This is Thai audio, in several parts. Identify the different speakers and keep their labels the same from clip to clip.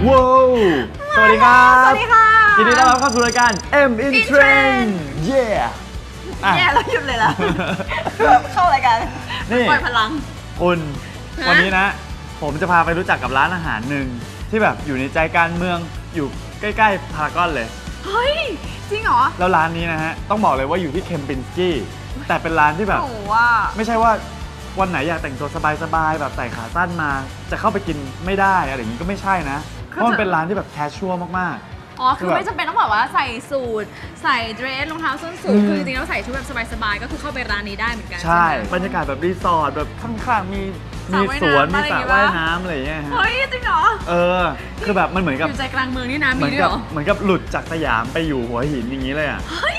Speaker 1: ว้าวสวัสดีครับ
Speaker 2: สวัสดีค่ะ
Speaker 1: ยินดีต้อนรับเข้าสู่รายการ M in Trend เย่
Speaker 2: แย่แล้วหยุดเลยล่ะเข้ารายการนี่ปล่อยพลัง
Speaker 1: คุณวันนี้นะผมจะพาไปรู้จักกับร้านอาหารหนึ่งที่แบบอยู่ในใจกลางเมืองอยู่ใกล้ๆพารากอนเลย
Speaker 2: เฮ้ยจริงเหรอ
Speaker 1: แล้วร้านนี้นะฮะต้องบอกเลยว่าอยู่ที่เคมปินสกี้แต่เป็นร้านที่แบบไม่ใช่ว่าวันไหนอยากแต่งตัวสบายๆแบบใส่ขาสั้นมาจะเข้าไปกินไม่ได้อะไรอย่างนี้ก็ไม่ใช่นะเพราะมันเป็นร้านที่แบบแคชชัวร์มาก
Speaker 2: ๆอ๋อคือไม่จำเป็นต้องแบบว่าใส่สูทใส่เดรสรองเท้าส้นสูงคือจริงๆแล้วใส่ชุดแบบสบายๆก็คือเข้าไปร้านนี้ได้เหมือนกัน
Speaker 1: ใช่บรรยากาศแบบรีสอร์ทแบบข้างๆมีสวนมีสระว่ายน้ำอะไรอย่างเงี้ย
Speaker 2: เฮ้ยจริงเหรอ
Speaker 1: คือแบบมันเหมือนกับ
Speaker 2: อยู่ใจกลางเมืองนี่นะมีด้วยเหรอ
Speaker 1: เหมือนกับหลุดจากสยามไปอยู่หัวหินอย่างนี้เลยอ่ะ
Speaker 2: เฮ้ย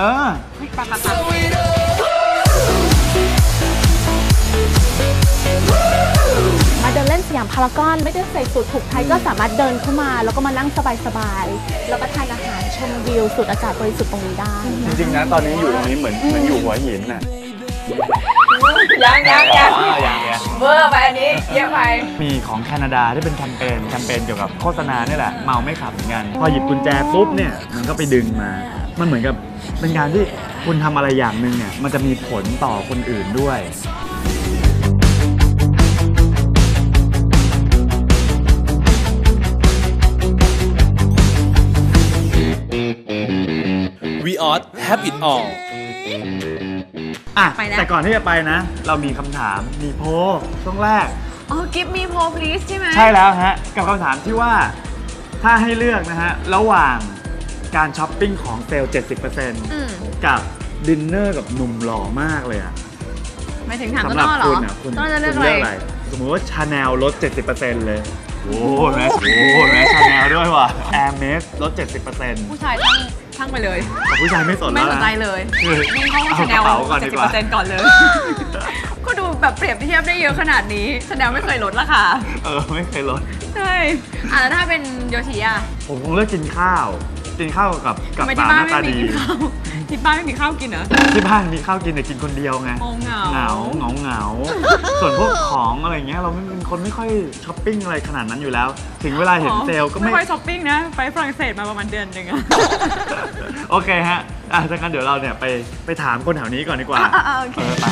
Speaker 3: มาเดินเล่นสยามพารากอนไม่ได้ใส่สูทผูกไทยก็สามารถเดินเข้ามาแล้วก็มานั่งสบายๆแล้วก็ทานอาหารชมวิวสูดอากาศบริสุทธิ์ตรงนี้ได้
Speaker 1: จริงๆนะตอนนี้อยู่ตรงนี้เหมือนอยู่หัวหินน่ะ
Speaker 2: ยังเวอร์ไปอันนี้เยอะไป
Speaker 1: มีของแคนาดาที่เป็นแคมเปญเกี่ยวกับโฆษณานี่แหละเมาไม่ขับเหมือนกันพอหยิบกุญแจปุ๊บเนี่ยมันก็ไปดึงมามันเหมือนกับเป็นการที่คุณทำอะไรอย่างหนึ่งเนี่ยมันจะมีผลต่อคนอื่นด้วย
Speaker 4: We ought have it all
Speaker 1: แต่ก่อนที่จะไปนะเรามีคำถามมีโพลช่วงแรก
Speaker 2: give me poll please ใช่ไหม
Speaker 1: ใช่แล้วฮะกับคำถามที่ว่าถ้าให้เลือกนะฮะระหว่างการช้อปปิ้งของเซลล์ 70% กับดินเนอร์กับหนุ่มหล่อมากเลยอะ
Speaker 2: ไม่ถึงถามต้นอ้อเหรอต้นจะเลือกอะไร
Speaker 1: สมมติว่าชาแนลลด 70% เลยโอ้โหแม่ชาแนลด้วยว่ะแอร์เมสลด 70%
Speaker 2: ผู้ชายทั้งไปเลย
Speaker 1: แต่ผู้ชายไม่สนแล้วนะ
Speaker 2: ไม่สนใจเลยวิ่งเข้าชาแนล 70% ก่อนเลยก็ดูแบบเปรียบเทียบได้เยอะขนาดนี้ชาแนลไม่เคยลดราคา
Speaker 1: ไม่เคยลด
Speaker 2: ใช่แล้วถ้าเป็นโยชิอะ
Speaker 1: ผมคงเลือกกินข้าวกับสาวหน้าตาดี
Speaker 2: ที่บ้านไม่มีข้าวกินเหรอ
Speaker 1: ที่บ้านมีข้าวกินแต่กินคนเดียวไงเหงาส่วนพวกของอะไรเงี้ยเราเป็นคนไม่ค่อยช้อปปิ้งอะไรขนาดนั้นอยู่แล้วถึงเวลาเห็นเซลก็
Speaker 2: ไม่ค่อยช้อปปิ้งนะไปฝรั่งเศสมาประมาณเดือนนึงอะ
Speaker 1: โอเคฮะดังนั้นเดี๋ยวเราเนี่ยไปถามคนแถวนี้ก่อนดีกว่า
Speaker 2: โอเค
Speaker 1: ไป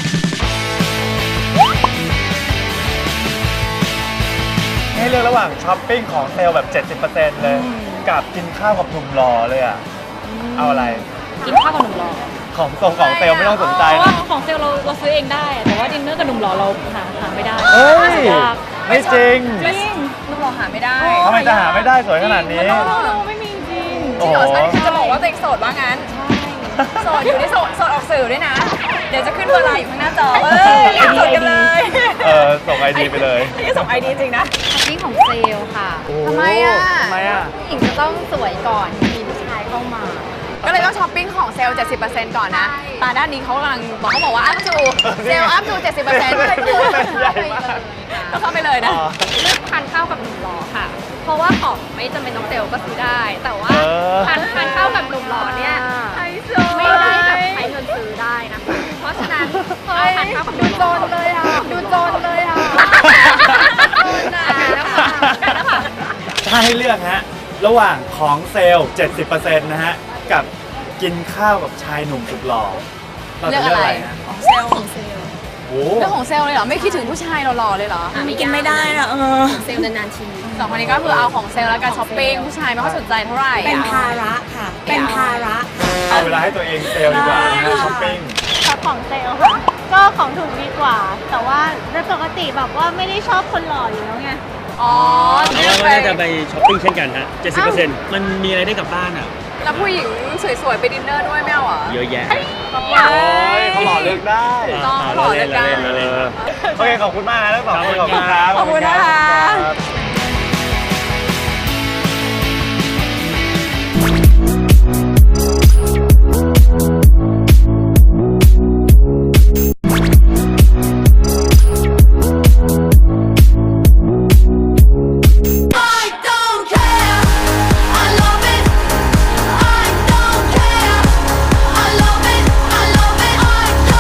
Speaker 1: ให้เลือกระหว่างช้อปปิ้งของเซลแบบ 70% เลยกับกินข้าวกับหนุ่มหล่อเลยอ่ะเอาอะไร
Speaker 3: กินข้าวกับหนุ่มหล่อ
Speaker 1: ของเซลไม่ต้องสนใจนะ
Speaker 3: ของเซลเราซื้อเองได้แต่ว่าดินเนอร์กับหนุ่มหล่อเราหาไม่ได้
Speaker 1: ไม่จริง
Speaker 2: หนุ่มหล่อหาไม่ได้
Speaker 1: ทำไมจะหาไม่ได้สวยขนาดนี้
Speaker 3: ไม่มีจริง
Speaker 2: จริงเหรอใช่จะบอกว่าตัวเองโสดว่างั้นโสดอยู่ที่โสดออกสื่อด้วยนะเดี๋ยวจะขึ้นเบอร์ไลน์อยู่ข้างหน้าจออยากโสดกันเลย
Speaker 1: ส่งไอดีไปเลย
Speaker 2: นี่ส่งไอดีจริงนะ
Speaker 3: นี่ของเซลค่ะ
Speaker 2: ทำไมอ่ะ
Speaker 3: ผู้หญิงจะต้องสวยก่อนมีผู้ชายเข้ามา
Speaker 2: ก็เลยต้องช้อปปิ้งของเซลล์ 70% ก่อนนะตาด้านนี้เขากำลังบอกว่าอัพจูเซลล์อัพจู 70% ก็เข้าไปเลยนะ
Speaker 3: เลือกทานข้าวกับหนุ่มหล่อค่ะเพราะว่าของไม่จำเป็นต้องเซลล์ก็ซื้อได้แต่ว่าทานข้าวกับหนุ่มหล่อเนี่ยไม่ได้แบบใช้เงินซื้อได้นะคะเพราะฉะนั้นพอทานข้าวกับหนุ่มหล่อดูโจนเลยอ่ะ
Speaker 1: ถ้าให้เลือกฮะระหว่างของเซลล์ 70% นะฮะกับกินข้าวกับชายหนุ่มสุดหล่อเราจะเลือกอะไรนะ
Speaker 2: ของเซลล์เรื่องของเซลล์เลยเหรอไม่คิดถึงผู้ชายหล่อๆเลยเหรอ
Speaker 3: กินไม่ได้อะเซลล์นานๆที
Speaker 2: สองคนนี้ก็คือเอาของเซลล์แล้วกันช้อปปิ้งผู้ชายไม่ค่อยสนใจเท่าไหร่
Speaker 3: เป็นภาระค่ะเป็นภาระ
Speaker 1: เอาเวลาให้ตัวเองเซลล์ดีกว่าช้อปปิ้ง
Speaker 3: ชอบของเซลล์ค่ะก็ของถูกดีกว่าแต่ว่าโดยปกติแบบว่าไม่ได้ชอบคนหล่ออยู่แล้วไง
Speaker 4: เราก็น่าจะไปช้อปปิ้งเช่นกันฮะ 70% มันมีอะไรได้กลับบ้านอ่ะ
Speaker 2: แล้วผู้หญิงสวยๆไปดินเนอร์ด้วยไม่เอาเหรอ
Speaker 4: เยอะแยะ
Speaker 1: เขาหล่อเลือกได้
Speaker 2: ต้องหล่อเลือกได้
Speaker 1: โอเคขอบคุณมากนะทั้งสองคนขอบคุณครับ
Speaker 2: ขอบคุณนะคะ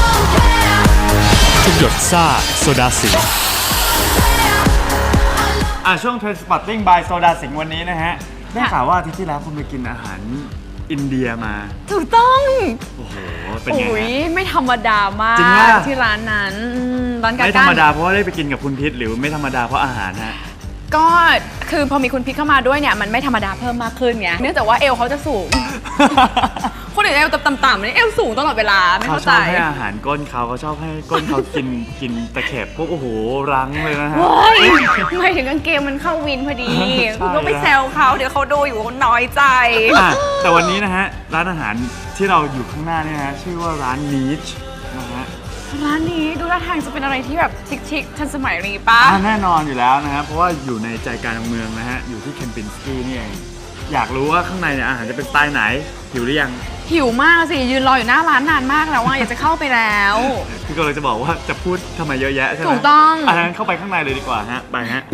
Speaker 4: หยดซ่าโซดาสิง
Speaker 1: ช่วง Trainspotting by โซดาสิงห์วันนี้นะฮะได้ข่าวว่าอาทิตย์ที่แล้วคุณไปกินอาหารอินเดียมา
Speaker 2: ถูกต้อง
Speaker 1: โอ้โหเป็นไง
Speaker 2: โอ้ย
Speaker 1: ฮะ
Speaker 2: ไม่ธรรมดามาก
Speaker 1: จริงปะ
Speaker 2: ที่ร้านนั้นร้านกา
Speaker 1: ไม่ธรรมดาเพราะว่าได้ไปกินกับคุณพิษหรือไม่ธรรมดาเพราะอาหารฮะ
Speaker 2: ก็คือพอมีคุณพิษเข้ามาด้วยเนี่ยมันไม่ธรรมดาเพิ่มมากขึ้นไงเนื่องจากว่าเอวเขาจะสูง คนอื่นเอวต่ำๆนี่เอวสูงตลอดเวลาไม่
Speaker 1: เขา
Speaker 2: เข้า
Speaker 1: ช
Speaker 2: ใจ
Speaker 1: อบให้อาหารก้นเขาชอบให้ก้นเขากินตะเข็บพวกโอ้โหรั้งเลยนะฮะ
Speaker 2: เฮ้ยไม่ถึงกางเกงมันเข้าวินพอดี
Speaker 1: ใช่
Speaker 2: คุณก็ไปแซวเขาเดี๋ยวเขาดูอยู่เขาน้อยใจ
Speaker 1: แต่วันนี้นะฮะร้านอาหารที่เราอยู่ข้างหน้านี่นะฮะชื่อว่าร้าน Niche นะฮะ
Speaker 2: ร้านนี้ดูท่าทางจะเป็นอะไรที่แบบชิคๆทันสมัยนี้ปะ
Speaker 1: แน่นอนอยู่แล้วนะฮะเพราะว่าอยู่ในใจกลางเมืองนะฮะอยู่ที่เคมปินสกี้นี่เองอยากรู้ว่าข้างในเนี่ยอาหารจะเป็นสไตล์ไหนหิวหรือยัง
Speaker 2: หิวมากสิยืนรออยู่หน้าร้านนานมากแล้วว่าอยากจะเข้าไปแล้ว
Speaker 1: คือก็เลยจะบอกว่าจะพูดทำไมเยอะแยะใช่ไหม
Speaker 2: ถูกต้อง
Speaker 1: งั้นเข้าไปข้างในเลยดีกว่าฮะไปฮะ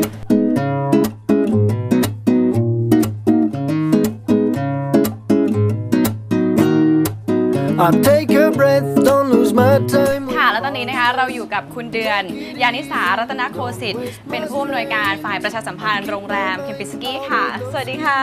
Speaker 5: I take a breath, don't lose my time.
Speaker 2: ค่ะแล้วตอนนี้นะคะเราอยู่กับคุณเดือนยานิสารัตนโคสิทธิ์เป็นผู้อำนวยการฝ่ายประชาสัมพันธ์โรงแรมเคมปินสกี้ค่ะ สวัสดีค่ะ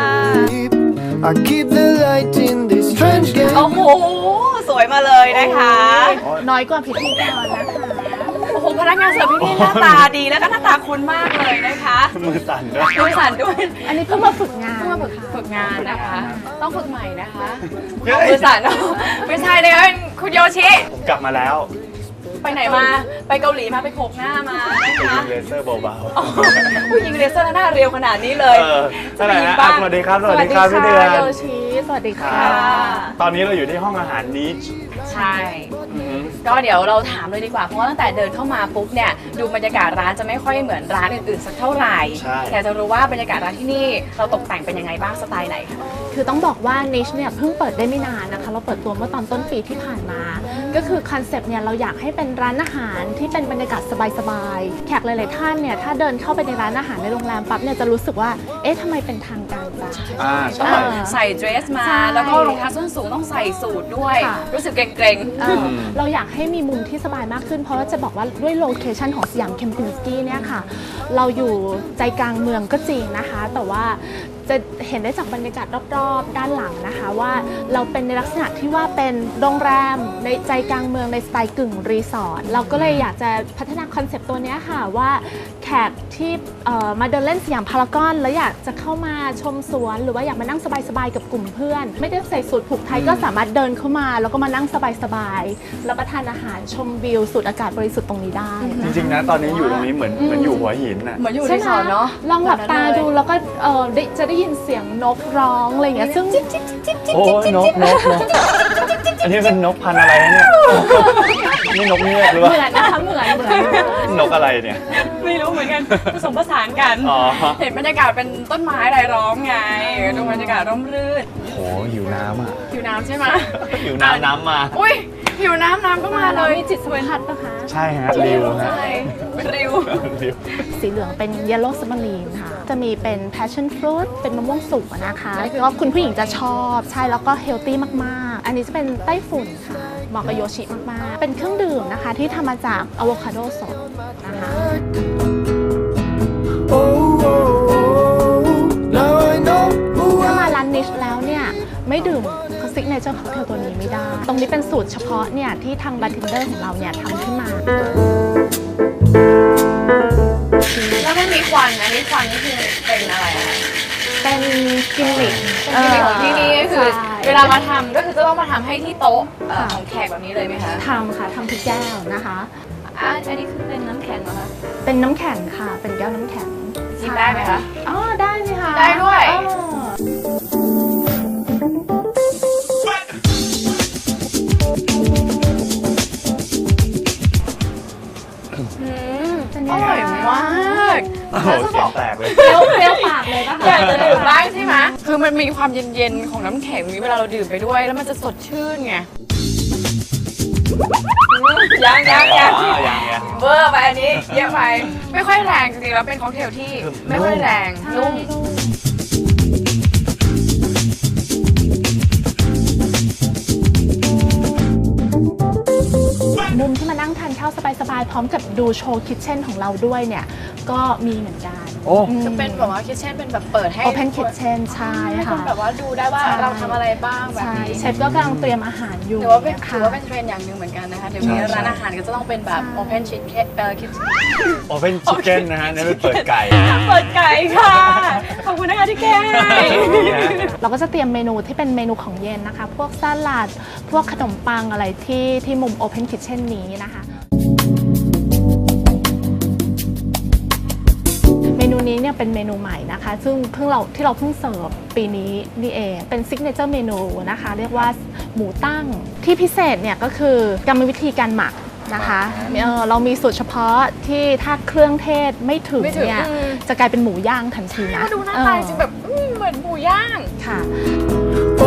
Speaker 5: I keep the light in this strange game.
Speaker 2: โอ้โห สวยมาเลยนะคะ
Speaker 3: น้อยกว่าพิธีกรนะคะ
Speaker 2: โอ้โหพนักงานเสิร์ฟที่นี่หน้าตาดีแล้วก็หน้าตาคุ้นมากเลยนะคะ
Speaker 1: มือสั่นด้วย
Speaker 2: มือสั่นด้วย
Speaker 3: อันนี้เพิ่งมาฝึกงาน
Speaker 2: เพิ่งมาฝึกงานนะคะ ต้องฝึกใหม่นะคะ
Speaker 1: เฮ้ย
Speaker 2: มือสั่นไม่ใช่เลยเป็นคุณโยชิ
Speaker 1: ผมกลับมาแล้ว
Speaker 2: ไปไหนมาไปเกาหลีมาไปโขกหน้ามานะคะ
Speaker 1: เลเซอร์เบา
Speaker 2: อ๋อผู้หญิงเลเซอร์หน้าเรียวขนาดนี้เลย
Speaker 1: ๆเท่าไหร่นะอ่ะสวัสดีครับสวัสดีครับพี่เดือน
Speaker 3: โยชิสวัสดีค่ะ
Speaker 2: ค่ะ
Speaker 1: ตอนนี้เราอยู่ที่ห้องอาหาร Niche
Speaker 2: ใช่ ก็เดี๋ยวเราถามเลยดีกว่า เพราะว่าตั้งแต่เดินเข้ามาปุ๊บเนี่ยดูบรรยากาศร้านจะไม่ค่อยเหมือนร้านอื่นๆสักเท่าไหร่
Speaker 1: ใช่
Speaker 2: แต่จะรู้ว่าบรรยากาศร้านที่นี่เราตกแต่งเป็นยังไงบ้างสไตล์ไหนคะ
Speaker 3: คือต้องบอกว่า Niche เนี่ยเพิ่งเปิดได้ไม่นานนะคะ เราเปิดตัวเมื่อตอนต้นปีที่ผ่านมา ก็คือคอนเซปต์เนี่ยเราอยากให้เป็นร้านอาหารที่เป็นบรรยากาศสบายๆ แขกหลายๆท่านเนี่ยถ้าเดินเข้าไปในร้านอาหารในโรงแรมปั๊บเนี่ยจะรู้สึกว่า เอ๊ะทำไมเป็นทางการจัง
Speaker 1: ใช่
Speaker 2: ใส่เดรสมา
Speaker 3: ใช่
Speaker 2: แล้วก็รองเท้าส้นสูงต้องใส่สูทด้วย
Speaker 3: ค่ะ
Speaker 2: รู้สึกเกรงๆ
Speaker 3: เราอยากให้มีมุมที่สบายมากขึ้น เพราะว่าจะบอกว่าด้วยโลเคชันของสยามเคมปินสกี้เนี่ยค่ะ เราอยู่ใจกลางเมืองก็จริงนะคะ แต่ว่าจะเห็นได้จากบรรยากาศรอบๆด้านหลังนะคะว่าเราเป็นในลักษณะที่ว่าเป็นโรงแรมในใจกลางเมืองในสไตล์กึ่งรีสอร์ทเราก็เลยอยากจะพัฒนาคอนเซปต์ตัวเนี้ยค่ะว่าแขกที่มาเดินเล่นสยามพารากอนแล้วอยากจะเข้ามาชมสวนหรือว่าอยากมานั่งสบายๆกับกลุ่มเพื่อน ไม่ได้ใส่สูทผูกไทยก็สามารถเดินเข้ามาแล้วก็มานั่งสบายๆรับประทานอาหารชมวิวสูดอากาศบริสุทธิ์ตรงนี้ได้
Speaker 1: จริงๆนะตอนนี้อยู่ตรงนี้เหมือนอยู่หัวหินน่ะ
Speaker 2: เหมือนอยู่
Speaker 3: ใช่
Speaker 2: รี
Speaker 3: ไหม
Speaker 2: สอร์ทเนาะ
Speaker 3: ลองหลับตาดูแล้วก็จะได้ยินเสียงนกร้องอะไรอย่างเงี้ยซึ่ง
Speaker 1: โอ้ยนกอันนี้เป็นนกพันธุ์อะไรเนี่ยนี่นกเงือกหรือ
Speaker 3: เห
Speaker 1: ว่า
Speaker 3: มือนนะคะเหมือน
Speaker 1: นกอะไรเนี่ย
Speaker 2: ไม่รู้เหมือนกันผสมผสานกัน
Speaker 1: อ๋อ
Speaker 2: เห็นบรรยากาศเป็นต้นไม้รายล้อมไงดูบรรยากาศร่มรื่น
Speaker 1: โอ้หิวน้ำอ่ะ
Speaker 2: หิวน้ำใช่ไหม
Speaker 1: หิวน้ำมา
Speaker 2: อุ้ยหิวน้ำก็มาเลย
Speaker 3: มีจิตสัมผัสนะคะ
Speaker 1: ใช่ฮะริวฮะ
Speaker 2: ใช่เป็นริว
Speaker 1: ริว
Speaker 3: สีเหลืองเป็น yellow submarine ค่ะ จะมีเป็น passion fruit เป็นมะม่วงสุกนะคะแล้วคุณผู้หญิงจะชอบใช่แล้วก็ healthy มากๆ อันนี้จะเป็นไต้ฝุ่นค่ะเหมาะกับโยชิมากๆ เป็นเครื่องดื่มนะคะที่ทำมาจากอะโวคาโดสดนะคะ
Speaker 5: Oh, oh, oh, now I know who
Speaker 3: ถ้า
Speaker 5: I
Speaker 3: มาร้านนิชแล้วเนี่ยไม่ดื่มซิกเนเจอร์ค็อกเทลตัวนี้ไม่ได้ ตรงนี้เป็นสูตรเฉพาะเนี่ยที่ทางบาร์เทนเดอร์ของเราเนี่ยทำขึ้นมา
Speaker 2: แล้วมันมีควันอันนี้ควันนี่คือเป็นอะไรอะ
Speaker 3: เป็นกิมมิค
Speaker 2: เป็นกิมมิคของที่นี่ก็คือ
Speaker 3: ใช่
Speaker 2: เวลามาทำก็คือจะต้องมาทำให้ที่โต๊ะของแขกแบบนี้เลยไหมคะ
Speaker 3: ทำค่ะทำทุกแก้วนะคะ
Speaker 2: อันนี้คือเป็นน้ำแข็งเหรอคะ
Speaker 3: เป็นน้ำแข็งค่ะ เป็นแก้วน้ำแข็ง
Speaker 2: ชิมได้ไหมคะ
Speaker 3: อ๋อได้สิคะ
Speaker 2: ได้ด้วย
Speaker 3: อ๋อ
Speaker 2: อร่อยมาก
Speaker 1: โอ้โหเสียงแตกเลย
Speaker 3: เปรี้ยวปากเลยปะ
Speaker 2: อยาก
Speaker 3: คะ
Speaker 2: จะดื่มบ้างใช่ไหมคือมันมีความเย็นๆของน้ำแข็งนี้เวลาเราดื่มไปด้วย แล้วมันจะสดชื่นไงยัง
Speaker 1: ยัง
Speaker 2: เบอร์ไปอันนี้เยอะไปไม่ค่อยแรงจริงๆแล้วเป็นค็อกเทลที่ไม่ค่อยแรงนุ่ม
Speaker 3: มุมที่มัน
Speaker 6: มานั่งทานข้าวสบายๆพร้อมกับดูโชว์คิทเช่นของเราด้วยเนี่ยก็มีเหมือนกัน
Speaker 1: โอ้
Speaker 2: จะเป็นแบบว่าคิทเช่นเป็นแบบเปิดให้
Speaker 6: Open Kitchen ใช่
Speaker 2: ให้คน
Speaker 6: ค่ะ
Speaker 2: แบบว่าดูได้ว่า
Speaker 6: ใช่
Speaker 2: เราทำอะไรบ้างแบบ
Speaker 6: ใช่
Speaker 2: นี้
Speaker 6: เชฟก็กำลังเตรียมอาหารอยู่
Speaker 2: ถือว่าเป็น
Speaker 6: ค่ะ
Speaker 2: ถือว่าเป็นเทรนด์อย่างหนึ่งเหมือนกันนะคะเดี๋ยวนี้ร้านอาหารก็จะต้องเป็นแบบ Open Kitchen Kitchen
Speaker 1: โอเพนชิคเก้นนะฮะนี่เป็นเปิดไก่
Speaker 2: เปิดไก่ค่ะ ขอบคุณนะคะที่แก้ให้
Speaker 6: เราก็จะเตรียมเมนูที่เป็นเมนูของเย็นนะคะ พวกสลัด พวกขนมปังอะไรที่มุม Open Kitchen นี้นะคะ เมนูนี้เนี่ยเป็นเมนูใหม่นะคะ ซึ่งที่เราเพิ่งเสิร์ฟปีนี้นี่เอง เป็นซิกเนเจอร์เมนูนะคะ เรียกว่าหมูตั้ง ที่พิเศษเนี่ยก็คือกรรมวิธีการหมักนะคะเรามีสูตรเฉพาะที่ถ้าเครื่องเทศไม่ถึงเนี่ยจะกลายเป็นหมูย่างทันทีนะ
Speaker 2: มาดูหน้าตาจริงแบบเหมือนหมูย่าง
Speaker 6: ค่ะ
Speaker 5: Oh,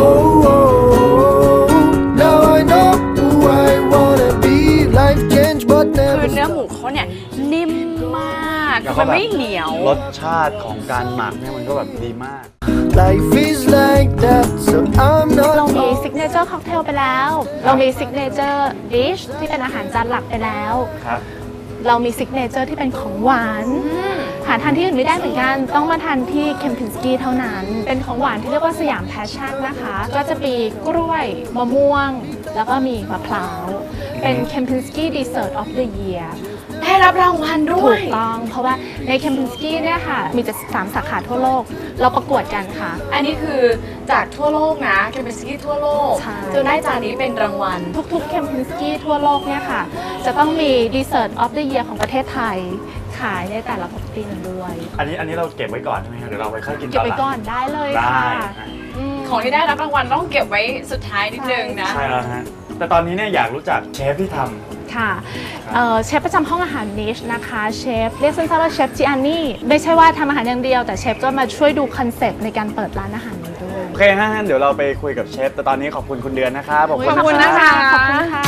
Speaker 5: now I know who I wanna be. Life change, but
Speaker 2: คื
Speaker 5: never
Speaker 2: อเนื้อ
Speaker 5: stop.
Speaker 2: หมูเขาเนี่ยนิ่มมาก
Speaker 1: แล้วก็
Speaker 2: มัน
Speaker 1: แบบ
Speaker 2: ไม่เหนียว
Speaker 1: รสชาติของการหมักเนี่ยมันก็แบบดีมาก
Speaker 5: Life is like that, so I'm
Speaker 6: เรา
Speaker 5: not.
Speaker 6: มีซิกเนเจอร์ค็อกเทลไปแล้ว เรามีซิกเนเจอร์ดิชที่เป็นอาหารจานหลักไปแล้ว
Speaker 1: ครับ
Speaker 6: เรามีซิกเนเจอร์ที่เป็นของหวานหาทานที่อื่นไม่ได้เหมือนกัน ต้องมาทานที่เคมพินสกี้เท่านั้น เป็นของหวานที่เรียกว่าสยามแพชชั่นนะคะ ก็จะมีกล้วยมะม่วง แล้วก็มีมะพร้าว เป็นเคมพินสกี้ดีเซอร์ตออฟเดอะเยียร์
Speaker 2: ได้รับรางวัลด้
Speaker 6: ถู
Speaker 2: วย
Speaker 6: กต้อง เพราะว่าในเคมพินสกี้เนี่ยค่ะ มีจะ3 สาขาทั่วโลก เราประกวดกันค่ะ
Speaker 2: อันนี้คือจากทั่วโลกนะเคมเป็นสกี้ทั่วโลก
Speaker 6: ใช่
Speaker 2: จนได้จานนี้เป็นรางวัล
Speaker 6: ทุกๆเคมพินสกี้ทั่วโลกเนี่ยค่ะ จะต้องมีดีเซอร์ตออฟเดอะเยียร์ของประเทศไทย ขายในแต่ละปีนั้นด้วย
Speaker 1: อันนี้เราเก็บไว้ก่อนใช่ไหมครับเดี๋ยวเราไปค่อยกิน
Speaker 6: เก็บ
Speaker 1: ตอนห
Speaker 6: ไว้
Speaker 1: ลัง
Speaker 6: ก่อนได้เลย
Speaker 1: ได้
Speaker 6: ค่ะ
Speaker 1: นะ
Speaker 2: ของที่ได้รับรางวัลต้องเก็บไว้สุดท้ายนิดนึงนะ
Speaker 1: ใช่แล้วฮะแต่ตอนนี้เนี่ยอยากรู้จักเชฟที่ทำ
Speaker 6: ค่ะเชฟประจำห้องอาหารนิชนะคะเชฟเรียกสั้นๆว่าเชฟจิอานี่ไม่ใช่ว่าทำอาหารอย่างเดียวแต่เชฟก็มาช่วยดูคอนเซปต์ในการเปิดร้านอาหารนี้ด้วย
Speaker 1: โอเคฮะงั้นเดี๋ยวเราไปคุยกับเชฟแต่ตอนนี้ขอบคุณคุณเดือนนะครับ
Speaker 2: ขอบคุณนะคะ
Speaker 6: ขอบคุณค่ะ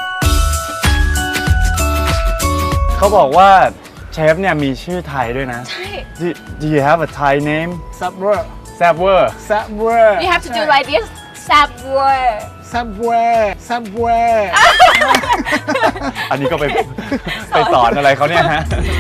Speaker 1: เขาบอกว่าเชฟเนี่ยมีชื่อไทยด้วยนะ
Speaker 2: ใช่
Speaker 1: Do you have a Thai name
Speaker 7: Subway.
Speaker 1: Savor
Speaker 7: Subway.
Speaker 2: you have to do like this Subway
Speaker 7: Subway. Subway.
Speaker 1: อันนี้ก็ไปสอนอะไรเขาเนี่ยฮะ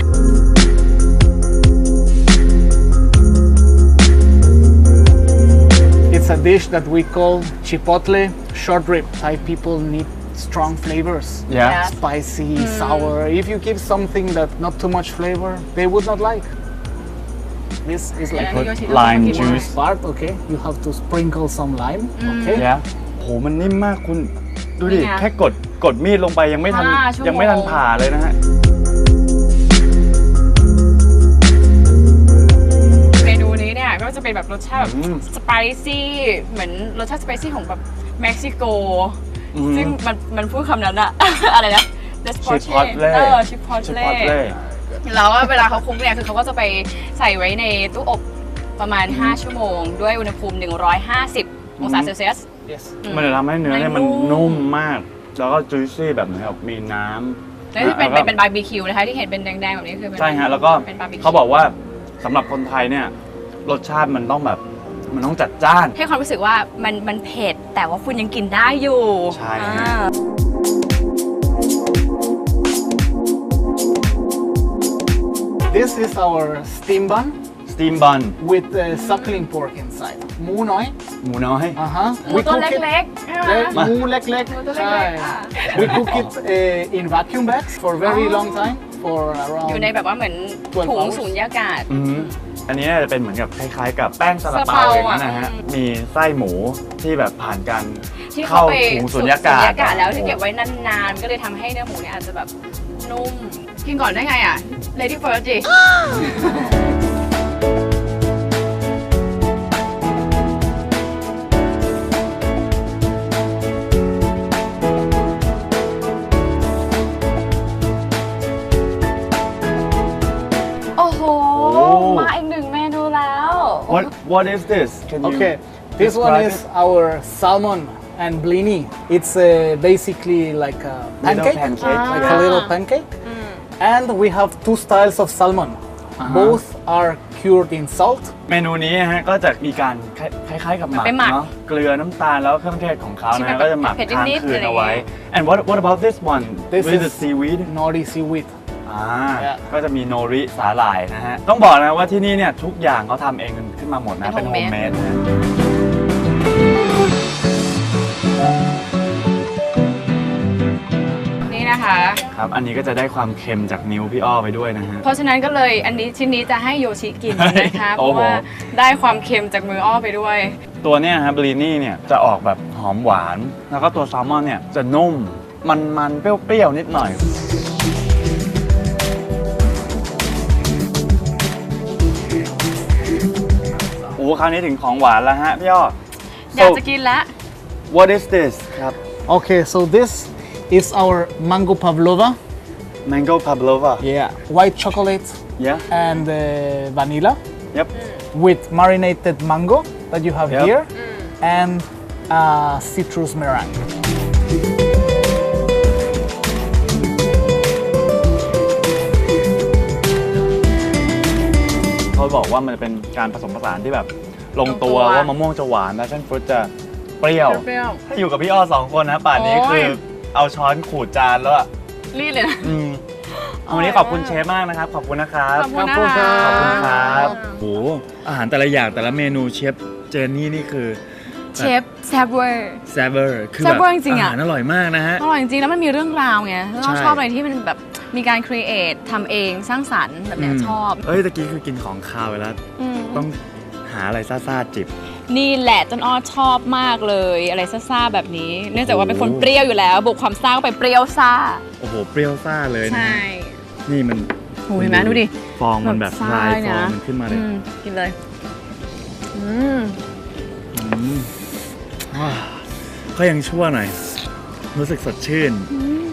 Speaker 7: It's a dish that we call chipotle short rib. Thai people need strong flavors.
Speaker 1: Yeah.
Speaker 7: Spicy, sour. If you give something that not too much flavor, they would not like. This is like
Speaker 2: Yeah.
Speaker 1: Put lime
Speaker 7: one
Speaker 1: juice
Speaker 7: part, okay? You have to sprinkle some lime, okay?
Speaker 1: โหมันนิ่มมากคุณดูดิ
Speaker 2: นี่ไง
Speaker 1: แค่กดมีดลงไปยังไม่ทัน
Speaker 2: 5 ชั่วโมง
Speaker 1: ยังไม่ทันผ่าเลยนะฮะ
Speaker 2: เมนูนี้เนี่ยก็จะเป็นแบบรสชาติแบบ
Speaker 1: อืม
Speaker 2: สไปซี่เหมือนรสชาติสไปซี่ของแบบเม็กซิโก
Speaker 1: อืม
Speaker 2: ซึ่งมันพูดคำนั้นอะ อะไรนะ
Speaker 1: Chipotle
Speaker 2: ชิปพอต
Speaker 1: ชิ
Speaker 2: เล่
Speaker 1: ปอตเล่
Speaker 2: แล้วเวลาเขาคลุกเนี่ยคือเขาก็จะไปใส่ไว้ในตู้อบประมาณ 5 ชั่วโมง ด้วยอุณหภูมิ 150 องศาเซลเซียส
Speaker 7: Yes.
Speaker 1: มันจะทำให้เนื้อเนี่ยมันนุ่มมาก แล้วก็จุยซี่แบบเหมือนกับมีน้ำ
Speaker 2: แล้วที่เป็นบาร์บีคิวนะคะที่เห็นเป็นแดงๆแบบนี้คือเป็น
Speaker 1: ใช่ฮะแล้วก็
Speaker 2: เป็นบาร์บีคิว
Speaker 1: เขาบอกว่าสำหรับคนไทยเนี่ยรสชาติมันต้องแบบมันต้องจัดจ้าน
Speaker 2: ให้ความรู้สึกว่ามันเผ็ดแต่ว่าคุณยังกินได้อยู่
Speaker 1: ใช่
Speaker 2: อ่า
Speaker 7: This is our steam bun
Speaker 1: สตีมบัน
Speaker 7: with suckling pork inside. Mu noi.
Speaker 1: หมูน้อย
Speaker 7: Uh-huh.
Speaker 2: หมูตัวเล็กๆใช่ไหม
Speaker 7: Mu lek lek.
Speaker 2: หมูตัวเล็กๆค่ะ
Speaker 7: We cook it in vacuum bags for very long time, for around
Speaker 2: อยู่ในแบบว่าเหมือนถุงสูญญากาศ
Speaker 1: อืมอันนี้น่าจะเป็นเหมือนกับคล้ายๆ กับแป้งซาลา
Speaker 2: ซาลา
Speaker 1: เปา
Speaker 2: เปา
Speaker 1: อย่างนั้นนะฮะ
Speaker 2: อืม
Speaker 1: มีไส้หมูที่แบบผ่านการ
Speaker 2: ที่เขา
Speaker 1: เข้า
Speaker 2: ไป
Speaker 1: ถุงสุญญากาศ
Speaker 2: แล้วที่เก็บไว้นานๆ ก็เลยทำให้เนื้อหมูเนี่ยอาจจะแบบนุ่ม กินก่อนได้ไงอ่ะ Lady First จิ โอ้โห มาอีกหนึ่งเมนูแล้ว
Speaker 1: What is this Can you
Speaker 7: Okay, this one
Speaker 1: describe
Speaker 7: is
Speaker 1: it?
Speaker 7: our salmon and blini. It's basically like a
Speaker 1: Little
Speaker 7: pancake,
Speaker 1: pancake,
Speaker 7: like
Speaker 1: yeah.
Speaker 7: a little pancake. And we have two styles of salmon. Both are cured in salt.
Speaker 1: เมนูนี้ฮะก็จะมีการคล้ายๆกับหมัก
Speaker 2: ไปหมัก
Speaker 1: เนาะเกลือน้ำตาลแล้วเครื่องเทศของเขา
Speaker 2: ที่
Speaker 1: นะ
Speaker 2: มัน
Speaker 1: ฮะก็จะหมัก
Speaker 2: เผ็ด
Speaker 1: ค้าง
Speaker 2: นิดๆ
Speaker 1: คืน
Speaker 2: อะไรอย่าง
Speaker 1: เอาไว้
Speaker 2: เงี้ย
Speaker 1: and what about this one
Speaker 7: This
Speaker 1: with the
Speaker 7: is
Speaker 1: seaweed
Speaker 7: nori seaweed.
Speaker 1: ก็จะมีโนริสาหร่ายนะฮะต้องบอกนะว่าที่นี่เนี่ยทุกอย่างเขาทำเองขึ้นมาหมดนะเป็นโฮมเมดนะ
Speaker 2: นี่นะคะ
Speaker 1: ครับอันนี้ก็จะได้ความเค็มจากนิ้วพี่อ้อไปด้วยนะฮะ
Speaker 2: เพราะฉะนั้นก็เลยอันนี้ชิ้นนี้จะให้โยชิกินนะคะเพ
Speaker 1: โอ้
Speaker 2: ราะ
Speaker 1: โห
Speaker 2: ว่าได้ความเค็มจากมืออ้อไปด้วย
Speaker 1: ตัวเนี้ยครับบลีนี่เนี่ยจะออกแบบหอมหวาน แล้วก็ตัวแซลมอนเนี่ยจะนุ่มมันเปรี้ยวๆนิดหน่อยโอ้คราวนี้ถึงของหวานแล้วฮะพี่อ้อ
Speaker 2: อยากจะกินแล้ว
Speaker 1: What is this ครับ
Speaker 7: Okay, so this is our mango pavlova.
Speaker 1: Mango pavlova
Speaker 7: Yeah, white chocolate
Speaker 1: yeah
Speaker 7: and vanilla
Speaker 1: yep
Speaker 7: with marinated mango that you have
Speaker 1: Yep.
Speaker 7: here and citrus meringue.
Speaker 1: เขาบอกว่ามันเป็นการผสมผสานที่แบบลงตัว
Speaker 2: ลงตัว
Speaker 1: ว่ามะม่วงจะหวานและเส้นฟรุตจะเปรี้ยว
Speaker 2: เปรี้ยว
Speaker 1: ถ้าอยู่กับพี่อ้อสองคนนะป่านนี้
Speaker 2: โอ้ย
Speaker 1: คือเอาช้อนขูดจานแล้วอะ
Speaker 2: รีดเลยนะ
Speaker 1: วันนี้ขอบคุณเชฟมากนะครับ ขอบคุณนะครับ
Speaker 2: ขอบคุณนะคะ
Speaker 1: ขอบคุณครับโอ้อาหารแต่ละอย่างแต่ละเมนูเชฟเจนนี่คือ
Speaker 2: เชฟแซบเวอร์
Speaker 1: แซเวอร์คือ
Speaker 2: แซ่
Speaker 1: แบบ
Speaker 2: เวอร์จริงๆอะ
Speaker 1: อาหารอร่อยมากนะฮะ
Speaker 2: อร่อยจริงๆแล้วมันมีเรื่องราวไงเรา
Speaker 1: ใช่
Speaker 2: ชอบอะไรที่มันแบบมีการครีเอททำเองสร้างสรรค์แบบเนี้ยชอบ
Speaker 1: เอ้ยตะกี้คือกินของคาวไปแล้ว
Speaker 2: อืม
Speaker 1: ต้องหาอะไรซ่าๆจิบ
Speaker 2: นี่แหละต้นอ้อชอบมากเลยอะไรซ่าๆแบบนี้ เนื่องจากว่าเป็นคนเปรี้ยวอยู่แล้วบวกความซ่าเข้าไปเปรี้ยวซ่า
Speaker 1: โอ้โห เปรี้ยวซ่าเลยนะ
Speaker 2: ใช่
Speaker 1: ฮะนี่มัน
Speaker 2: โอ้ยเห็นไหมดูดิ
Speaker 1: ฟองมันแบบ
Speaker 2: ซ่า
Speaker 1: ลายฟ
Speaker 2: เนี่
Speaker 1: อง
Speaker 2: ย
Speaker 1: มันขึ้นมาเลย
Speaker 2: กินเลยอืม
Speaker 1: ว้าวก็ยังชั่วหน่อย รู้สึกสดชื่น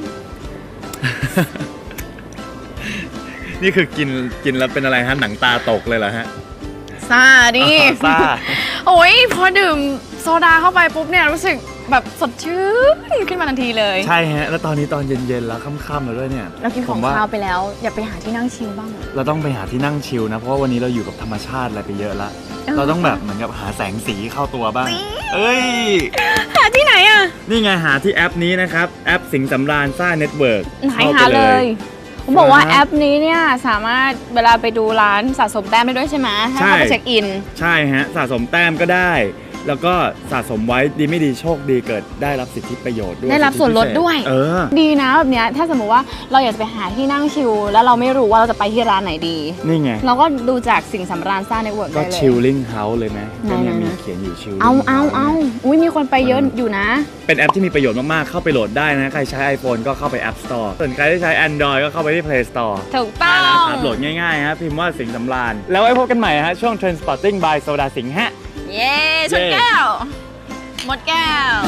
Speaker 1: นี่คือกินแล้วเป็นอะไรฮะ หนังตาตกเลยเหรอฮะ
Speaker 2: ซ่าดิ
Speaker 1: ซ่า
Speaker 2: โอ้ยพอดื่มโซดาเข้าไปปุ๊บเนี่ยรู้สึกแบบสดชื่นขึ้นมาทันทีเลย
Speaker 1: ใช่ฮะ แล้วตอนนี้ตอนเย็นๆแล้วค่ำๆแล้วด้วยเนี่ย
Speaker 2: เรากินของ
Speaker 1: ผมว่า
Speaker 2: คาวไปแล้ว อย่าไปหาที่นั่งชิลบ้าง
Speaker 1: เราต้องไปหาที่นั่งชิลนะ เพราะว่าวันนี้เราอยู่กับธรรมชาติอะไรไปเยอะแล้ว เราต้องแบบเหมือนกับหาแสงสีเข้าตัวบ้าง เอ้ย
Speaker 2: หาที่ไหนอ่ะ
Speaker 1: นี่ไงหาที่แอปนี้นะครับ แอปสิงห์สำราญซ่าเน็ตเวิร์ก
Speaker 2: ไหนหาเลยผมบอกว่าแอปนี้เนี่ยสามารถเวลาไปดูร้านสะสมแต้มได้ด้วยใช่ไหมถ้าเข้าไปเช็คอิน
Speaker 1: ใช่ฮะ สะสมแต้มก็ได้ แล้วก็สะสมไว้ดีไม่ดีโชคดีเกิดได้รับสิทธิประโยชน์ด้วย
Speaker 2: ได้รับส่วนลดด้วย
Speaker 1: เออ
Speaker 2: ดีนะแบบเนี้ยถ้าสมมติว่าเราอยากจะไปหาที่นั่งชิลแล้วเราไม่รู้ว่าเราจะไปที่ร้านไหนดี
Speaker 1: นี่ไง
Speaker 2: เราก็ดูจากสิ่งสำราญซ่าเน็ตเวิร์ก
Speaker 1: ก็
Speaker 2: ได้เลย
Speaker 1: ชิลลิ่งเฮาส์เลยไหมก็เนี่ย
Speaker 2: ไหนๆ
Speaker 1: มีเขียนอยู่ชิล
Speaker 2: เอาอุ้ยมีคนไปเยอะอยู่นะ
Speaker 1: เป็นแอปที่มีประโยชน์มาก ๆ เข้าไปโหลดได้นะ ใครใช้ iPhone ก็เข้าไป App Store ส่วนใครที่ใช้ Android ก็เข้าไปที่ Play Store
Speaker 2: ถูกต้อง
Speaker 1: ครับโหลดง่าย ๆ ฮะ พิมพ์ว่าสิงห์สำราญ แล้วไว้พบกันใหม่ฮะ ช่วง Trendspotting by โซดาสิงห์ฮะ
Speaker 2: เย้ชนแก้ว หมดแก้ว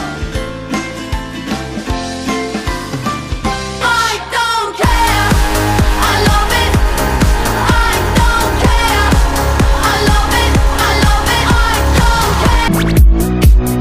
Speaker 8: I don't care. I love it. I don't care. I love it. I love it. I don't care.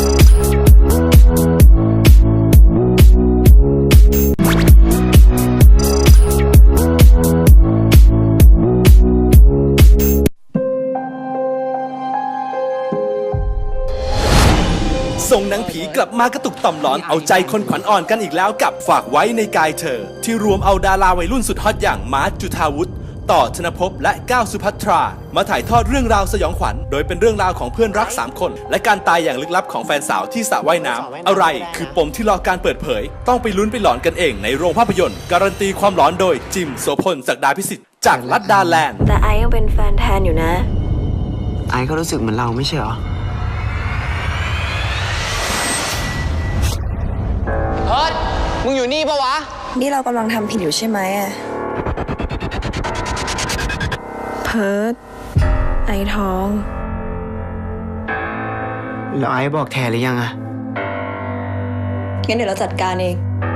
Speaker 9: ส่งหนังผีกลับมากระตุกต่อมหลอนเอาใจคนขวัญอ่อนกันอีกแล้วกับฝากไว้ในกายเธอ ที่รวมเอาดาราวัยรุ่นสุดฮอตอย่างมาร์ท จุฑาวุฒิ ต่อธนภพและก้าวสุภัทรามาถ่ายทอดเรื่องราวสยองขวัญโดยเป็นเรื่องราวของเพื่อนรัก3คนและการตายอย่างลึกลับของแฟนสาวที่สระว่ายน้ำอะไรคือปมที่รอการเปิดเผยต้องไปลุ้นไปหลอนกันเองในโรงภาพยนตร์การันตีความหลอนโดยจิมโสพลศักดาพิสิทธิ์จากลัดดาแลนด์
Speaker 10: แต่ไอยังเป็นแฟนแทนอยู่นะ
Speaker 11: ไอก็รู้สึกเหมือนเราไม่ใช่เหรอ
Speaker 12: เฮิร์ตมึงอยู่นี่ปะวะ
Speaker 10: นี่เรากำลังทำผิดอยู่ใช่ไหมอะเพิร์ดไอท้อง
Speaker 11: แล้วไอบอกแทนหรือยังอะ
Speaker 10: งั้นเดี๋ยวเราจัดการเอง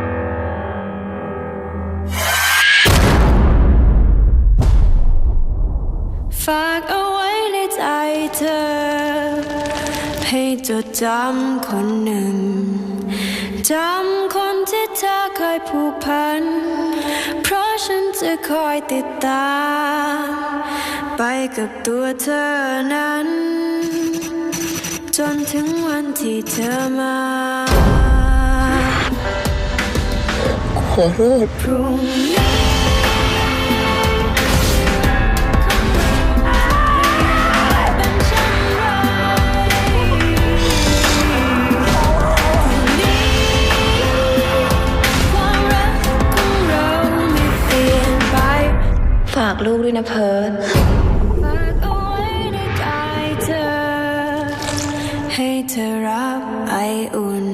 Speaker 10: ฝากเอาไว้ในใจเธอ ให้จดจำคนหนึ่ง จำคนที่เธอเคยผูกพัน เพราะฉันจะคอยติดตาม ไปไปกับตัวเธอนั้น จนถึงวันที่เธอมาขอโทษพรุ่งนี้ฝากลูกด้วยนะเพิร์ดฝากเอาไว้ในกายเธอ ให้เธอรับไออุ่น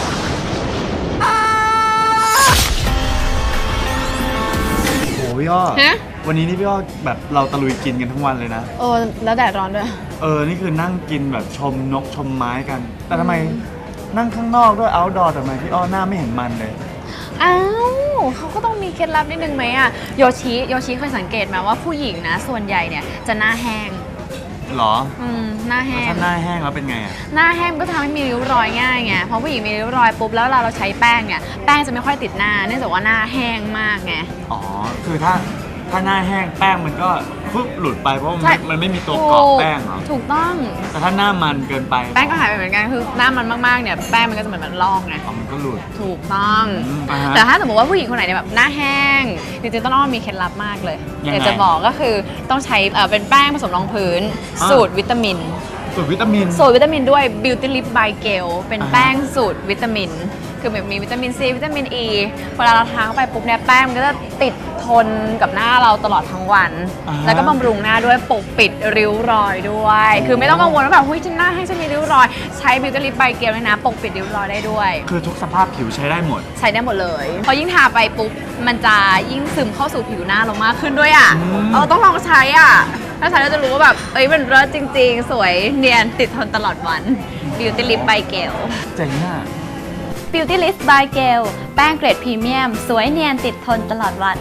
Speaker 1: โอ้พี่อ้อ
Speaker 2: ฮะ
Speaker 1: วันนี้นี่พี่อ้อแบบเราตะลุยกินกันทั้งวันเลยนะ
Speaker 2: โอ้แล้วแดดร้อนด้วย
Speaker 1: นี่คือนั่งกินแบบชมนกชมไม้กัน แต่ทำไมนั่งข้างนอกด้วย outdoor ทำไมพี่อ้อหน้าไม่เห็นมันเลย
Speaker 2: อ้าวเขาก็ต้องมีเคล็ดลับนิดนึงไหมอะโยชิเคยสังเกตไหมว่าผู้หญิงนะส่วนใหญ่เนี่ยจะหน้าแห้ง
Speaker 1: หรอ
Speaker 2: หน้าแห้
Speaker 1: แล้ว
Speaker 2: ง
Speaker 1: ถ้าหน้าแห้งแล้วเป็นไงอ่ะ
Speaker 2: หน้าแห้งก็ทำให้มีริ้วรอยง่ายไงเพราะผู้หญิงมีริ้วรอยปุ๊บแล้วเราใช้แป้งเนี่ยแป้งจะไม่ค่อยติดหน้าเนื่องจากว่าหน้าแห้งมากไง
Speaker 1: อ๋อ คือถ้าหน้าแห้งแป้งมันก็ปุ๊บหลุดไปเพราะ
Speaker 2: ใช่
Speaker 1: มันไม่มีตัวเกาะแป้งเหรอ
Speaker 2: ถูกต้อง
Speaker 1: แต่ถ้าหน้ามันเกินไป
Speaker 2: แป้งก็หายไปเหมือนกันคือหน้ามันมากๆเนี่ยแป้งมันก็จะเหมือนมันลอกไง
Speaker 1: อ๋อมันก็หลุด
Speaker 2: ถูกต้อง
Speaker 1: อ่าฮะ
Speaker 2: แต่ถ้าสมมติว่าผู้หญิงคนไหนเนี่ยแบบหน้าแห้งจริงๆต้องมีเคล็ดลับมากเลย
Speaker 1: ยังไง
Speaker 2: อยากจะบอกก็คือต้องใช้เป็นแป้งผสมรองพื้น
Speaker 1: อ่า
Speaker 2: สูตรวิตามิน
Speaker 1: สูตรวิตามิน
Speaker 2: สูตรวิตามินด้วย Beauty Lip by Gel เป็น
Speaker 1: อ่าฮะ
Speaker 2: แป้งสูตรวิตามิน คือแบบมีวิตามินซีวิตามินอีเวลาเราทาเข้าไปปุ๊บเนี่ยแป้งมันก็จะติดทนกับหน้าเราตลอดทั้งวัน
Speaker 1: อ่าฮะ
Speaker 2: แล้วก็บำรุงหน้าด้วยปกปิดริ้วรอยด้วย คือไม่ต้องกังวลว่าแบบเฮ้ยฉันหน้าให้ฉันมีริ้วรอย ใช้ Beauty Lip by Gel เลยนะปกปิดริ้วรอยได้ด้วย
Speaker 1: คือทุกสภาพผิวใช้ได้หมด
Speaker 2: ใช้ได้หมดเลยพอยิ่งทาไปปุ๊บมันจะยิ่งซึมเข้าสู่ผิวหน้าเรามากขึ้นด้วยอ่ะ ต้องลองใช้อ่ะถ้าใช้เราจะรู้ว่าแบบมันเลิศจริงๆ สวยเนียนติดทนตลอดวัน Beauty Lip by Gel
Speaker 1: เจ๋งอ่ะ
Speaker 3: Beauty Lip by Gel แป้งเกรดพรีเมียม สวยเนียนติดทนตลอดวัน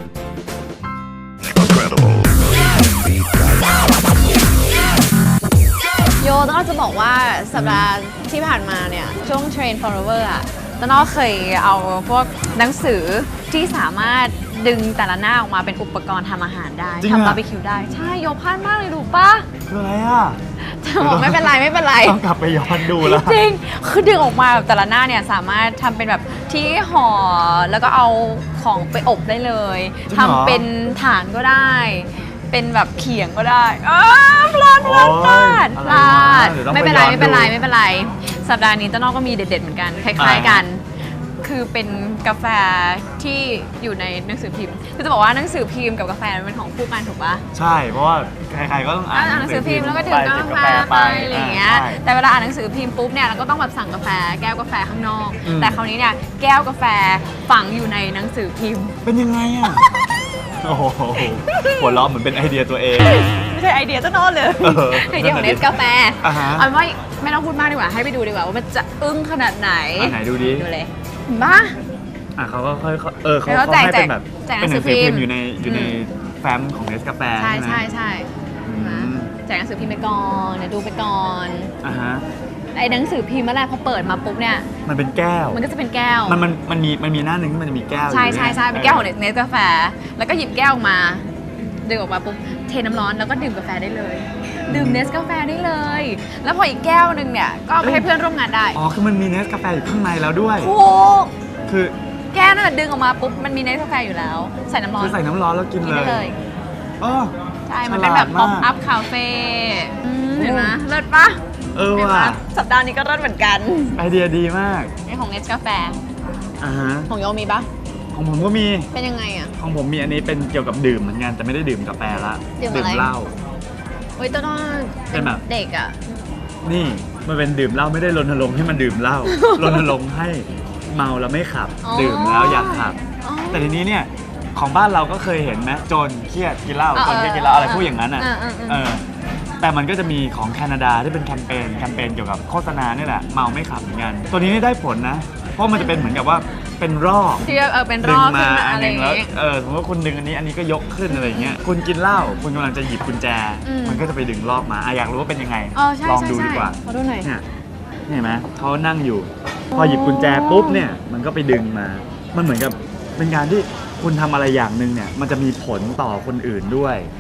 Speaker 2: โยต้นอ้อจะบอกว่าสัปดาห์ที่ผ่านมาเนี่ยช่วง Train Forever อ่ะต้นอ้อเคยเอาพวกหนังสือที่สามารถดึงแต่ละหน้าออกมาเป็นอุปกรณ์ทำอาหารได้
Speaker 1: จริงอะ
Speaker 2: ทำบาร์บีคิวได้ ใช่โยพลาดมากเลยดูปะ
Speaker 1: คืออะไรอ่ะ
Speaker 2: จะบอกไม่เป็นไรไม่เป็นไร
Speaker 1: ต้องกลับไปย้อนดูแล้ว
Speaker 2: จริงคือดึงออกมาแบบแต่ละหน้าเนี่ยสามารถทำเป็นแบบที่ห่อแล้วก็เอาของไปอบได้เลย
Speaker 1: จริงเหรอ
Speaker 2: ทำเป็นฐานก็ได้ เป็นแบบเขียงก็ได้พลาด
Speaker 1: โอ๊ย
Speaker 2: พลาด
Speaker 1: อะไร
Speaker 2: พลาว
Speaker 1: ะ
Speaker 2: ด
Speaker 1: เดี๋ยวต้อง
Speaker 2: ไม่เป็นไร
Speaker 1: ไปย้อน
Speaker 2: ไม่เป็นไร
Speaker 1: ดู
Speaker 2: ไม่เป็นไร สัปดาห์นี้ต้นอ้อก็มีเด็ดๆเหมือนกันคล้ายๆกัน คือเป็นกาแฟที่อยู่ในหนังสือพิมพ์คือจะบอกว่าหนังสือพิมพ์กับกาแฟมันเป็นของคู่กันถูกปะ
Speaker 1: ใช่ เพราะว่าใครๆก็ต้องอ่าน
Speaker 2: อ่านหนังสือพิมพ์แล้วก็ดื่ม
Speaker 1: ไป
Speaker 2: กา
Speaker 1: จิบ
Speaker 2: แฟไปอะไรอย่างเงี้ย
Speaker 1: ใช่
Speaker 2: แต่เวลาอ่านหนังสือพิมพ์ปุ๊บเนี่ยเราก็ต้องแบบสั่งกาแฟแก้วกาแฟข้างนอก
Speaker 1: อืม
Speaker 2: แต่คราวนี้เนี่ยแก้วกาแฟฝังอยู่ในหนังสือพิมพ์
Speaker 1: เป็นยังไงอ่ะ โอ้โหหัวเราะเหมือนเป็นไอเดียตัวเอง
Speaker 2: ไม่ใช่ไอเดียต้นอ้อเลย ไอเดียของเนสกาแฟ
Speaker 1: อ่าฮะ
Speaker 2: เอาเป็นว่าไม่ต้องพูดมากดีกว่าให้ไปดูดีกว่าว่ามันจะอึ้งขนาดไหน
Speaker 1: อันไหนดูดิ
Speaker 2: ดูเลยเห็นปะ
Speaker 1: เขาก็ค่อยเขา
Speaker 2: แล้วก็แจก
Speaker 1: ให้เป็นแบบ
Speaker 2: แจกหนั
Speaker 1: เป็น
Speaker 2: ง
Speaker 1: ห
Speaker 2: สื
Speaker 1: นั
Speaker 2: อง
Speaker 1: สือพิมพ์
Speaker 2: พิมพ์
Speaker 1: อยู่ในแฟ้มของเนสกาแฟ
Speaker 2: ใช่
Speaker 1: ไหม
Speaker 2: ใช่ใช่
Speaker 1: อืม
Speaker 2: แจกหนังสือพิมพ์ไปก่อนเดี๋ยวดูไปก่อน
Speaker 1: อ่าฮะ
Speaker 2: ไอ้หนังสือพิมพ์เมื่อไหรพอเปิดมาปุ๊บเนี่ย
Speaker 1: มันเป็นแก้ว
Speaker 2: มันก็จะเป็นแก้ว
Speaker 1: มันมีหน้าหนึ่งที่มันจะมีแก้ว
Speaker 2: ใช่
Speaker 1: อยู่
Speaker 2: ใช่ใช่เป็นแก้วของเนสกาแฟ แล้วก็หยิบแก้วออกมาดึงออกมาปุ๊บเทน้ำร้อนแล้วก็ดื่มกาแฟได้เลย ดื่มเนสกาแฟได้เลย แล้วพออีกแก้วหนึ่งเนี่ยก็เอาไปให้เพื่อนร่วมงานได้
Speaker 1: อ๋อคือมันมีเนสกาแฟอยู่ข้างในแล้วด้วย
Speaker 2: ถูก
Speaker 1: คือ
Speaker 2: แก้วนั่นนะดึงออกมาปุ๊บมันมีเนสกาแฟอยู่แล้ว ใส่น้ำร้อน
Speaker 1: คือใส่น้ำร้อนแล้วกิน
Speaker 2: กิน
Speaker 1: เล
Speaker 2: ได้
Speaker 1: ย
Speaker 2: เลย
Speaker 1: อ๋อ
Speaker 2: ใช่มันเป็นแบบ
Speaker 1: ฉ
Speaker 2: ป๊อ
Speaker 1: ลา
Speaker 2: ป
Speaker 1: ดมาก
Speaker 2: อัพคาเฟ่เห็นไหมเลิศปะ เห็นไหม
Speaker 1: ว่ะ
Speaker 2: สัปดาห์นี้ก็เลิศเหมือนกัน
Speaker 1: ไอเดียดีมาก
Speaker 2: นี่ของเนสกาแฟ
Speaker 1: อ่าฮะ
Speaker 2: ของโยมีปะ
Speaker 1: ของผมก็มี
Speaker 2: เป็นยังไงอ่ะ
Speaker 1: ของผมมีอันนี้เป็นเกี่ยวกับดื่มเหมือนกันแต่ไม่ได้ดื่มกาแฟละ
Speaker 2: ดื่มอะไร
Speaker 1: เหล้า
Speaker 2: เฮ้ยต้นอ้อ
Speaker 1: เป็นแบบ
Speaker 2: เด็กอ่ะ
Speaker 1: นี่มันเป็นดื่มเหล้าไม่ได้รณรงค์ให้มันดื่มเหล้า รณรงค์ให้เมาแล้วไม่ขับ
Speaker 2: อ๋อ
Speaker 1: ดื่มแล้วอยากขับ
Speaker 2: อ๋อ
Speaker 1: แต่ทีนี้เนี่ยของบ้านเราก็เคยเห็นนะจนเครียดกินเหล้า
Speaker 2: เออ
Speaker 1: จนเครียดกินเหล้าอะไรพูดอย่างนั้นอ่ะ
Speaker 2: เออ
Speaker 1: แต่มันก็จะมีของแคนาดาที่เป็นแคมเปญเกี่ยวกับโฆษณาเนี่ยแหละเมาไม่ขับเหมือนกันตัวนี้ได้ผลนะ เพราะมันจะเป็นเหมือนกับว่าเป็นรอบ
Speaker 2: ที่เป็นร
Speaker 1: ดึง
Speaker 2: อบ
Speaker 1: มา
Speaker 2: ขึ้นมา
Speaker 1: อัน
Speaker 2: อะไร
Speaker 1: ห
Speaker 2: อ
Speaker 1: นึง
Speaker 2: ย่าง
Speaker 1: แล้ว
Speaker 2: เงี้ย
Speaker 1: สมมติว่าคุณดึงอันนี้ก็ยกขึ้นอะไรอย่างเงี้ยคุณกินเหล้าคุณกำลังจะหยิบกุญแจ
Speaker 2: อืม
Speaker 1: มันก็จะไปดึงรอบมาอยากรู้ว่าเป็นยังไง
Speaker 2: ใช่
Speaker 1: ลอง
Speaker 2: ใช่
Speaker 1: ดู
Speaker 2: ใช่
Speaker 1: ดีกว่า
Speaker 2: ขอดูหน่อย
Speaker 1: เนี่ยเห็นไหมเขานั่งอยู่ พอหยิบกุญแจปุ๊บเนี่ยมันก็ไปดึงมา มันเหมือนกับเป็นการที่คุณทำอะไรอย่างหนึ่งเนี่ยมันจะมีผลต่อคนอื่นด้วย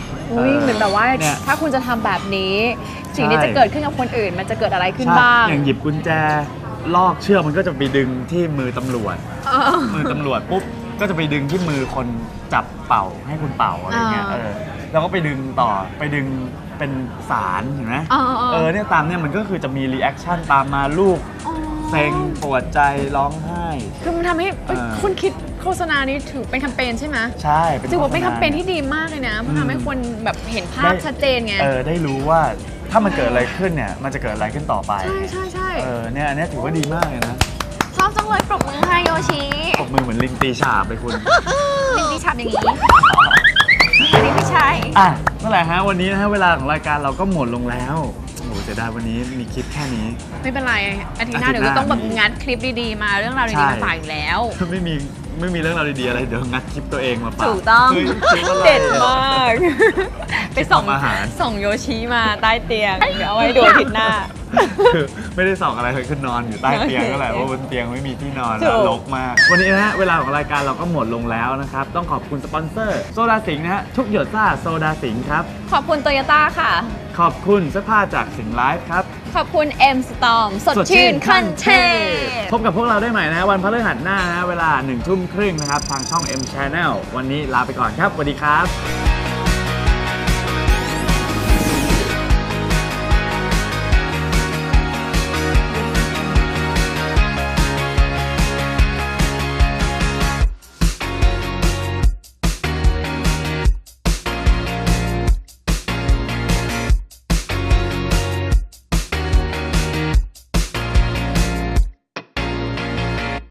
Speaker 2: อุ้ยเหมือนแบบว่า
Speaker 1: เนี่ย
Speaker 2: ถ้าคุณจะทำแบบนี้ สิ่งที่
Speaker 1: ใช่
Speaker 2: จะเกิดขึ้นกับคนอื่น มันจะเกิดอะไรขึ้น
Speaker 1: ใช่
Speaker 2: บ้าง
Speaker 1: อย่างหยิบกุญแจลอกเชือกมันก็จะไปดึงที่มือตำรวจ
Speaker 2: เออ
Speaker 1: มือตำรวจปุ๊บก็จะไปดึงที่มือคนจับเป่าให้คุณเป่าอะไรเงี้ย
Speaker 2: อ่า
Speaker 1: แล้วก็ไปดึงต่อไปดึงเป็นสารเห็นไหม เนี่ยตามเนี่ยมันก็คือจะมีรีแอคชั่นตามมาลูกเซ็งปวดใจร้องไห้
Speaker 2: คือมันทำให้คุณคิดโฆษณานี้ถือเป็นแคมเปญใช่ไหม
Speaker 1: ใช่เป็น
Speaker 2: ถือว่าเป็น
Speaker 1: โฆ
Speaker 2: แค
Speaker 1: ษณ
Speaker 2: มเปญที่ดีมากเลยนะมันทำให้คนแบบเห็นภาพ
Speaker 1: ได้
Speaker 2: ชัดเจนไง
Speaker 1: ได้รู้ว่าถ้ามันเกิดอะไรขึ้นเนี่ยมันจะเกิดอะไรขึ้นต่อไป
Speaker 2: ใช่
Speaker 1: เนี่ยอันเนี้ยถือว่าดีมากเลยนะ
Speaker 2: ชอบจังเลยปรบมือให้โยชิ
Speaker 1: ปรบมือเหมือนลิงตีฉาบเลยคุณ
Speaker 2: ลิงดีฉับอย่างนี้อันนี้ไม่ใช่
Speaker 1: อ่ะเมื่อไหร่ฮะวันนี้นะฮะเวลาของรายการเราก็หมดลงแล้วโอ้โหเสียดายวันนี้มีคลิปแค่นี้
Speaker 2: ไม่เป็นไรอาทิตย์หน้า
Speaker 1: อาทิตย์
Speaker 2: เดี๋ยวก็ต้องแบบ
Speaker 1: หน้ามี
Speaker 2: งัดคลิปดีๆมาเรื่องราว
Speaker 1: ใช่
Speaker 2: ดีๆมาฝากอยู่แล้ว
Speaker 1: ไม่มีเรื่องราวดีๆอะไรเดี๋ยวงัดคลิปตัวเองมาฝาก
Speaker 2: ถูกต้อง
Speaker 1: ฮ้ยคลิปอะไร
Speaker 2: เด็ดมาก ไปส่ง
Speaker 1: ทำอาหาร
Speaker 2: ส่งโยชิมาใต้เตียง เดี๋ยวเอาไว้ดูอาทิตย์หน้า
Speaker 1: คือไม่ได้ส่องอะไรเลยคือนอนอยู่ใต้เตียงก็แหละเพราะบนเตียงไม่มีที่นอน
Speaker 2: ถู
Speaker 1: แล้ว
Speaker 2: ก
Speaker 1: รกมาก วันนี้นะฮะเวลาของรายการเราก็หมดลงแล้วนะครับ ต้องขอบคุณสปอนเซอร์โซดาสิงห์นะฮะทุกหยดซ่าโซดาสิงห์ครับ
Speaker 2: ขอบคุณโตโยต้าค่ะ
Speaker 1: ขอบคุณเสื้อผ้าจากสิงห์ไลฟ์ครับ
Speaker 2: ขอบคุณ M Storm สดชื่นขั้นเทพ
Speaker 1: พบกับพวกเราได้ใหม่นะฮะวันพฤหัสหน้านะฮะเวลา 19:30 นะครับ ทางช่อง M Channel วันนี้ลาไปก่อนครับสวัสดีครับ